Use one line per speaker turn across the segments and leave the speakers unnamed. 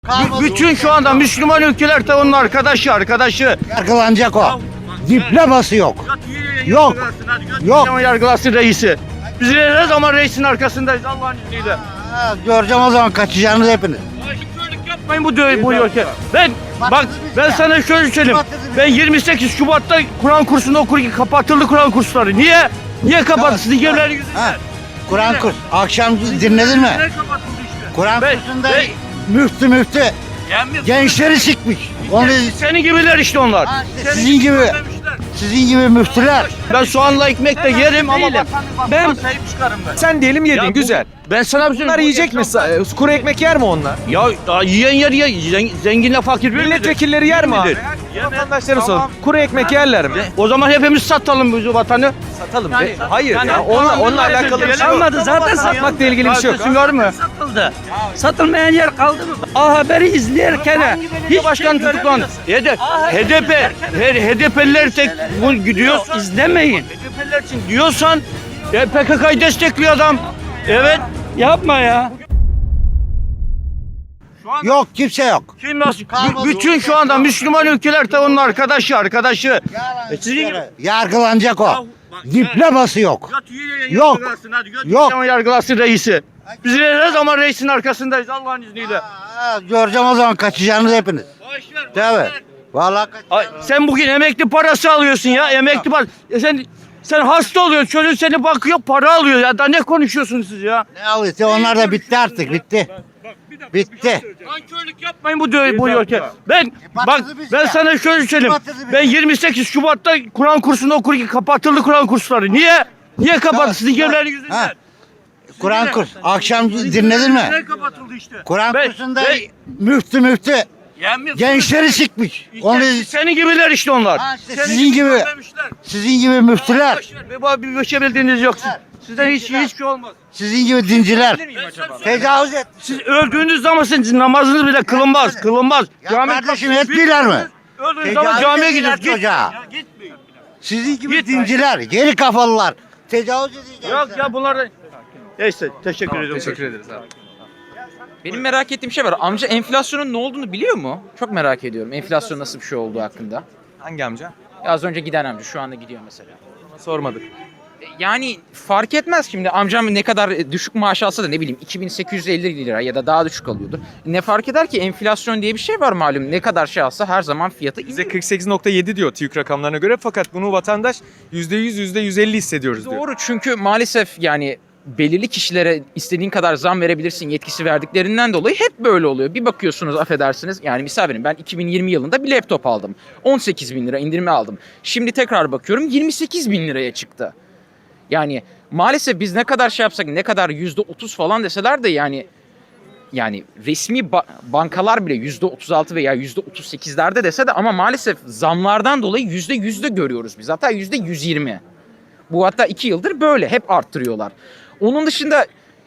Bütün şu anda Müslüman ülkeler de onun arkadaşı.
Yargılanacak o. Diploması yok. Yok. Yok.
Yargılasın reisi. Biz ne zaman reisin arkasındayız Allah'ın izniyle.
Göreceğim o zaman kaçacağınız hepiniz.
Şöylelik yapmayın bu ülke. Ben sana şöyle söyleyeyim. Ben 28 Şubat'ta Kur'an kursunda okurken kapatıldı Kur'an kursları. Niye? Niye kapattı? Sizin gemilerin yüzünden.
Kur'an kurs. Akşam dinledin mi?
Niye kapatıldı işte?
Kur'an kursunda müftü gençleri çıkmış. Onu
Senin gibiler işte onlar.
sizin gibi müftüler.
Ben soğanla ekmek de yerim ama
Değilim.
ben sahip çıkarım ben.
Sen diyelim yedin,
Ya bu-
güzel.
Ben sana bir şey
Bunlar yiyecek mi? Kuru ekmek yer mi onlar?
Ya yiyen yer ya. Zenginle fakir bir
Milletvekilleri yer mi abi?
midir?
Vatandaşlara sor. Kuru ekmek yerler mi?
O zaman hepimiz satalım bu vatanı.
Satalım.
Yani-
Hayır
yani-
ya. Onunla alakalı bir şey yok.
Kalmadı zaten
Satmakla ilgili bir şey yok.
Var mı?
satıldı. Satılmayan yer kaldı mı? A Haber'i izlerken hiç
Başkan tutuklandı. HDP'liler tek bu gidiyor.
izlemeyin.
HDP'liler için diyorsan PKK'yı destekliyor adam. Evet.
Yapma ya.
Yok kimse yok.
Kim nasıl?
Kalmadı.
Bütün şu anda Müslüman ülkeler de onun arkadaşı. Sizin
Yargılanacak o. Diploması yok. Yok. Yok.
Yargılasın reisi. Biz ne zaman reisin arkasındayız Allah'ın izniyle.
Göreceğim o zaman kaçacağınız hepiniz. Tabii. Vallahi
Sen bugün emekli parası alıyorsun ya. Emekli parası. Sen hasta oluyorsun. Çocuğun seni bakıyor para alıyor ya. Da ne konuşuyorsunuz siz ya?
ne alıyorsa onlar da bitti artık bitti. Bitti.
Nankörlük yapmayın bu ülke. Ben
batırdı bizi
ben
ya.
sana şöyle söyleyeyim.
Batırdı bizi.
Ben 28 Şubat'ta Kur'an kursunda okurken kapatıldı Kur'an kursları. Niye? Niye kapattı? Sizin gemilerin yüzünden.
Ha. Kur'an kurs. Akşam dinledin mi?
Niye kapatıldı işte?
Kur'an
Ben-
kursunda
ben-
müftü gençleri çıkmış. Onu
Senin gibiler işte onlar.
Ha, işte
Senin
sizin gibi.
söylemişler.
sizin gibi müftüler,
Bir şey bildiğiniz yok. Sizden hiçbir şey olmaz.
sizin gibi dinciler tecavüz et.
Siz öldüğünüz zaman sizin namazınız bile kılınmaz.
Ya kardeşim etmiyorlar mı?
Öldüğünüz zaman
Tecavüz
camiye
ettiler
gidiyoruz.
çocuğa.
Ya gitmeyin.
Sizin gibi
Git.
dinciler, geri kafalılar tecavüz edecekler.
Yok ya bunlar da... Neyse teşekkür ediyorum.
Teşekkür ederiz abi.
Benim merak ettiğim şey var. Amca enflasyonun ne olduğunu biliyor mu? Çok merak ediyorum. Enflasyon nasıl bir şey olduğu hakkında.
Hangi amca?
Ya az önce giden amca şu anda gidiyor mesela.
Sormadık.
Yani fark etmez şimdi amcam ne kadar düşük maaş alsa da ne bileyim 2850 lira ya da daha düşük alıyordur. Ne fark eder ki enflasyon diye bir şey var malum. Ne kadar şey alsa her zaman fiyatı
Bize
iniyor.
48.7 diyor TÜİK rakamlarına göre fakat bunu vatandaş %100, %150 hissediyoruz diyor.
Doğru çünkü maalesef yani belirli kişilere istediğin kadar zam verebilirsin yetkisi verdiklerinden dolayı hep böyle oluyor. Bir bakıyorsunuz affedersiniz yani misal verin ben 2020 yılında bir laptop aldım. 18 bin lira indirime aldım. Şimdi tekrar bakıyorum 28 bin liraya çıktı. Yani maalesef biz ne kadar şey yapsak ne kadar %30 falan deseler de yani resmi bankalar bile %36 veya %38'lerde dese de ama maalesef zamlardan dolayı %100'de görüyoruz biz. Hatta %120. Bu hatta 2 yıldır böyle hep arttırıyorlar. Onun dışında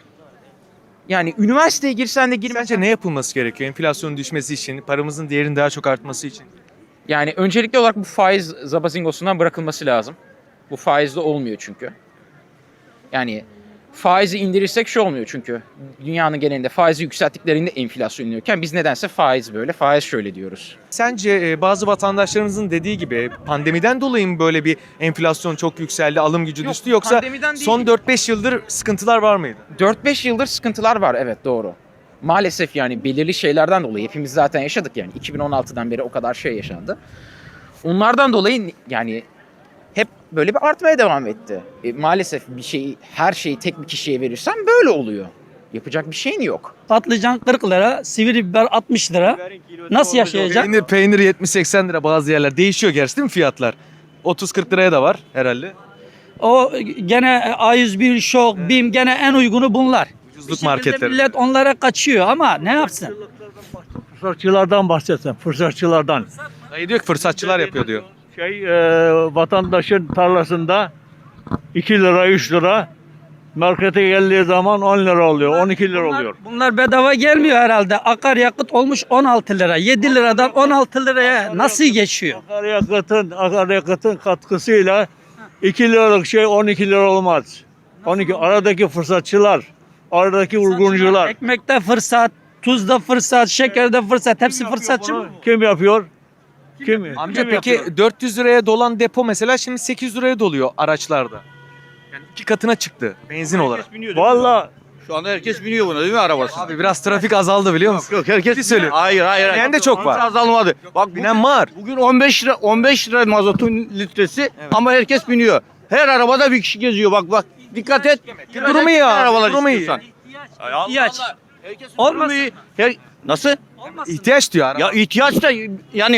yani üniversiteye girsen de girmesen
Sence ne yapılması gerekiyor enflasyonun düşmesi için, paramızın değerinin daha çok artması için?
yani öncelikli olarak bu faiz zabazingosundan bırakılması lazım. Bu faizle olmuyor çünkü. Yani faizi indirirsek şu olmuyor çünkü. Dünyanın genelinde faizi yükselttiklerinde enflasyon iniyorken biz nedense faiz böyle, faiz şöyle diyoruz.
Sence bazı vatandaşlarımızın dediği gibi pandemiden dolayı mı böyle bir enflasyon çok yükseldi, alım gücü
Yok,
düştü yoksa
pandemiden değil.
son 4-5 yıldır sıkıntılar var mıydı?
4-5 yıldır sıkıntılar var, evet doğru. Maalesef yani belirli şeylerden dolayı hepimiz zaten yaşadık yani 2016'dan beri o kadar şey yaşandı. Onlardan dolayı yani hep böyle bir artmaya devam etti. Maalesef her şeyi tek bir kişiye verirsen böyle oluyor. Yapacak bir şeyin yok.
Patlıcan 40 lira, sivri biber 60 lira. Nasıl yaşayacak?
Peynir 70-80 lira bazı yerler. Değişiyor gerçi değil mi fiyatlar? 30-40 liraya da var herhalde.
O gene A101, Şok, BİM gene en uygunu bunlar.
Ucuzluk
Bir şekilde
marketleri.
millet onlara kaçıyor ama ne yapsın?
Fırsatçılardan bahsetsen, fırsatçılardan.
Dayı diyor ki fırsatçılar yapıyor diyor.
Vatandaşın tarlasında 2 lira, 3 lira, markete geldiği zaman 10 lira oluyor, 12 lira oluyor.
Bunlar bedava gelmiyor herhalde. Akaryakıt olmuş 16 lira. 7 liradan 16 liraya nasıl geçiyor?
Akaryakıtın katkısıyla 2 liralık şey 12 lira olmaz. 12 aradaki fırsatçılar, aradaki vurguncular.
Ekmekte fırsat, Tuzda fırsat, şekerde fırsat, hepsi fırsatçı mı?
Kim yapıyor? Kim?
Amca
Kim
peki
yapıyor?
400 liraya dolan depo mesela şimdi 800 liraya doluyor araçlarda. Yani 2 katına çıktı benzin olarak.
Vallahi
Şu anda herkes biniyor buna değil mi arabası?
Abi biraz trafik azaldı biliyor musun?
Yok herkes
Ciddi söylüyorum.
Hayır.
Binen de çok var.
Azalmadı. Bak
Binen var.
Bugün 15 lira mazotun litresi ama herkes biniyor. Her arabada bir kişi geziyor bak. Dikkat et.
Durumu iyi abi,
Arabalar
durumu iyi.
istiyorsan.
İhtiyaç.
Herkes
Olmasa-
durumu iyi. Nasıl?
İhtiyaç diyor araba.
Ya ihtiyaç da yani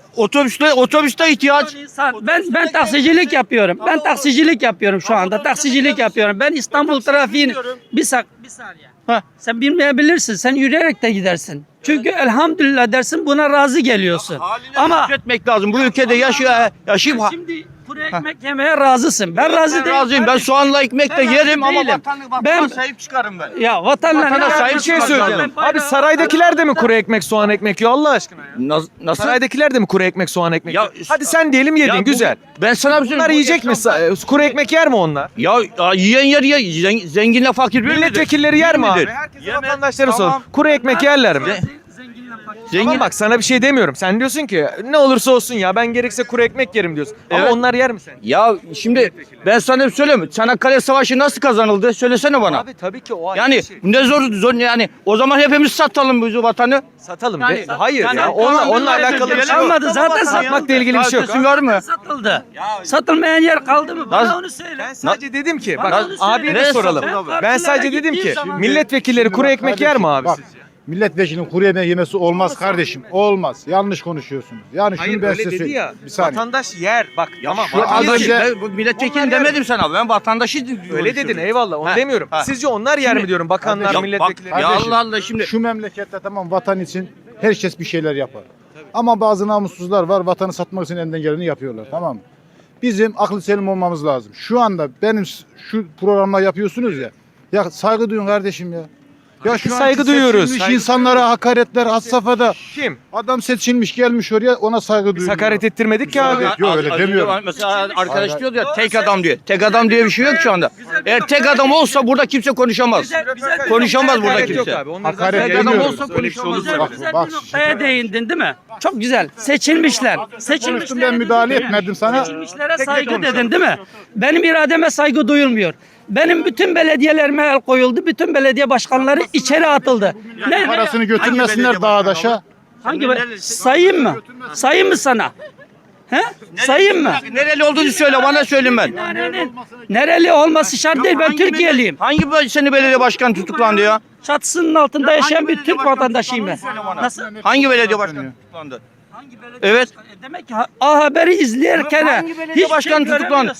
otobüste ihtiyaç.
Ben taksicilik yapıyorum. Ben taksicilik yapıyorum şu anda. Taksicilik yapıyorum. Ben İstanbul trafiğini bir saniye.
Heh.
Sen bilmeyebilirsin. Sen yürüyerek de gidersin. Çünkü elhamdülillah dersin, buna razı geliyorsun. Ama
Etmek lazım. Bu ülkede yaşayıp
şimdi kuru ekmek yemeye razısın. Ben razı
ben
değilim.
razıyım. Ben soğanla ekmek de
Ben razı
yerim ama
değilim.
vatana
Ben-
sahip çıkarım ben.
Ya vatanla
Vatana sahip
Bir şey
çıkmak
söyleyeceğim.
lazım.
Abi saraydakiler de mi kuru ekmek soğan ekmek yiyor Allah aşkına ya?
Nasıl?
Saraydakiler de mi kuru ekmek soğan ekmek
Ya-
yiyor? Hadi sen diyelim yedin
Ya bu-
güzel.
Ben sana bir şey
Bunlar yiyecek mi? Kuru ekmek yer mi onlar?
Ya yiyen yer ye. Zenginle fakir bir midir?
Milletvekilleri yer mi abi?
midir?
Herkese
Yemez.
vatandaşlara
Tamam.
sorun. Kuru ekmek yerler mi?
Zengin.
Ama bak sana bir şey demiyorum. Sen diyorsun ki ne olursa olsun ya ben gerekse kuru ekmek yerim diyorsun. Ama
Evet.
onlar yer mi sen?
Ya şimdi ben sana bir söyleyeyim. Çanakkale Savaşı nasıl kazanıldı? Söylesene bana.
Abi tabii ki o ayrı
Yani
bir şey.
ne zor yani o zaman hepimiz satalım bu vatanı.
Satalım.
Yani-
Hayır
yani
ya.
tamam,
Onunla
biz
alakalı bir şey yok.
Kalmadı zaten,
Satmakla ilgili bir şey yok.
Sesin var mı?
satıldı. Satılmayan yer kaldı mı? Bana
Nasıl?
onu söyle.
Ben sadece dedim ki
Bana
bak
onu söyle.
abiye de
Nereye
soralım.
satıldı abi?
Ben sadece
Partilere
dedim
gittiği
ki
zaman-
milletvekilleri kuru ekmek yer mi abi
Bak,
sizce?
milletvekilinin kuru yemeği yemesi olmaz kardeşim. Olmaz. Yanlış konuşuyorsunuz. Yani şunu ben size söyleyeyim. Bir saniye.
Vatandaş yer. Bak tamam.
şu az
abi,
önce-
Ben bu milletvekili demedim sana. Ben vatandaşı
öyle dedin eyvallah onu
Ha,
demiyorum.
ha.
Sizce onlar yer mi diyorum bakanlar,
Ya
milletvekilleri?
bak, ya
Kardeşim,
Allah Allah şimdi.
Şu memlekette tamam vatan için herkes bir şeyler yapar. Ama bazı namussuzlar var vatanı satmak için elinden geleni yapıyorlar tamam mı? Bizim aklı selim olmamız lazım. Şu anda benim şu programla yapıyorsunuz ya. Ya saygı duyun kardeşim ya. Ya şu
saygı
anki
duyuyoruz.
seçilmiş
Saygı
insanlara hakaretler had safhada.
Kim?
Adam seçilmiş gelmiş oraya ona saygı
Biz
duyuyor.
hakaret ettirmedik ki abi.
Yok, öyle
Az
demiyorum.
önce Mesela arkadaş
Hayır,
diyordu ya tek adam diyor. Tek adam diye bir şey yok şu anda. Eğer tek adam olsa burada kimse konuşamaz. Konuşamaz burada
Hakaret yok
kimse.
abi. Onları
Hakaret
zaten-
Tek adam
demiyorum.
olsa
Öyle bir şey olur
konuşamaz.
mu?
Bak,
Güzel
bak,
bir noktaya değindin değil mi? Çok güzel. Seçilmişler.
Konuştum ben müdahale etmedim sana.
Seçilmişlere
Tek
saygı
konuşalım.
dedin değil mi? Benim irademe saygı duyulmuyor. Benim bütün belediyelerime el koyuldu. Bütün belediye başkanları içeri atıldı. Ne?
Parasını götürmesinler dağa daşa.
Hangi sayayım mı? Sayayım mı sana? He? Sayayım mı?
Nereli olduğunu söyle bana söyleyeyim ben.
Nereli olması şart değil. Ben Türkiye'liyim.
Hangi seni belediye başkanı tutuklandı ya?
Çatısının altında yaşayan bir Türk vatandaşıyım ben. Nasıl?
Hangi belediye başkanı tutuklandı? Evet.
Demek ki A Haber'i izlerken
Hangi belediye başkanı tutuklandı?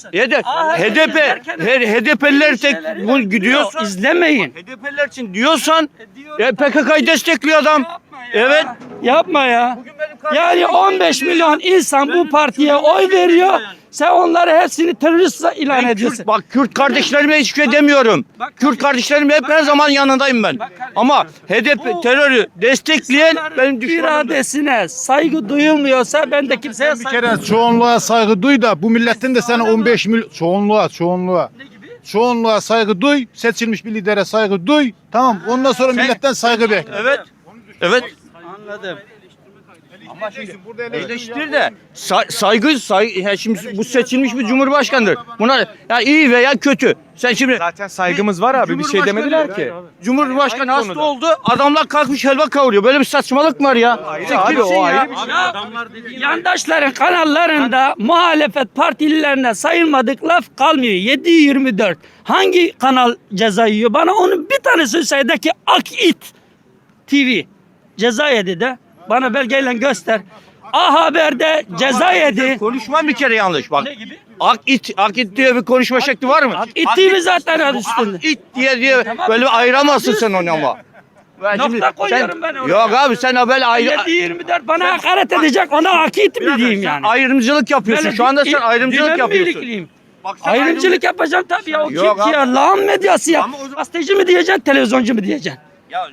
HDP'liler tek bu gidiyorsan
izlemeyin.
HDP'liler için diyorsan PKK'yı destekliyor adam. Evet.
Yapma ya. Yani 15 milyon insan bu partiye oy veriyor. Sen onları hepsini terörist ilan ediyorsun.
Bak Kürt kardeşlerime hiçbir şey demiyorum. Kürt kardeşlerimle hep her zaman yanındayım ben. Ama HDP terörü destekleyen benim düşmanım.
İradesine saygı duyulmuyorsa ben de kimseye
Bir
saygı
kere çoğunluğa saygı duy da bu milletin de sana 15 milyon çoğunluğa saygı duy, seçilmiş bir lidere saygı duy. Tamam. Ondan sonra milletten saygı bekle.
Evet. Evet.
Anladım.
Ama şimdi eleştir de saygı şimdi bu seçilmiş bir cumhurbaşkanıdır. Buna ya iyi veya kötü. Sen şimdi
Zaten saygımız var abi. Bir şey demediler ki.
Cumhurbaşkanı
Aynı
hasta
konuda.
oldu. Adamlar kalkmış helva kavuruyor. Böyle bir saçmalık mı var ya? Sen
Abi
kimsin
o
ya?
ayrı bir şey.
Yandaşların kanallarında muhalefet partililerine sayılmadık laf kalmıyor. 7/24. Hangi kanal ceza yiyor? Bana onun bir tanesi söyle ki Akit TV ceza yedi de. Bana belgeyle göster. A Haber'de ceza yedi.
Konuşman bir kere yanlış bak.
Ne gibi?
Akit diye bir konuşma şekli var mı?
Akit TV zaten adı üstünde.
Akit diye böyle bir ayıramazsın sen onu ama. Ben
Nokta koyuyorum ben oraya.
Yok abi sen böyle
7/24 bana hakaret edecek, ona Akit mi diyeyim yani?
ayrımcılık yapıyorsun.
Böyle
Şu anda sen
bir-
ayrımcılık
ben mi
yapıyorsun.
ilikliyim?
Bak sen
Ayrımcılık yapacağım tabii ya. O
Yok
kim ki ya?
abi.
Lağım medyası ya.
Ama o zaman-
Gazeteci mi diyeceksin, televizyoncu mu diyeceksin?
Ya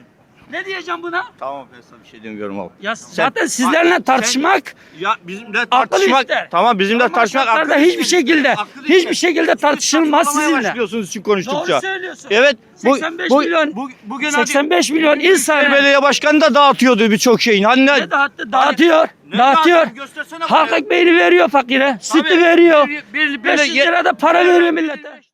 Ne diyeceğim buna?
Tamam ben sana bir şey demiyorum abi.
Ya zaten sizlerle tartışmak
Ya bizimle
akıl
tartışmak
ister.
tamam bizimle
Normal
tartışmak
şartlarda
akıl
hiçbir
ister.
şekilde
Akıl ister.
hiçbir şekilde tartışılmaz
Saçmalamaya
sizinle.
başlıyorsunuz için konuştukça.
Doğru söylüyorsun.
Evet.
85 milyon
bugün
85 milyon insan
belediye başkanı da dağıtıyordu birçok şeyin. Hani
ne dağıttı? Dağıtıyor.
Ne
Dağıtıyor.
dağıtıyor? Göstersene
Halk
bana.
ekmeğini veriyor fakire. Sütü
Tabii.
veriyor.
Bir-
500 lira da para veriyor millete.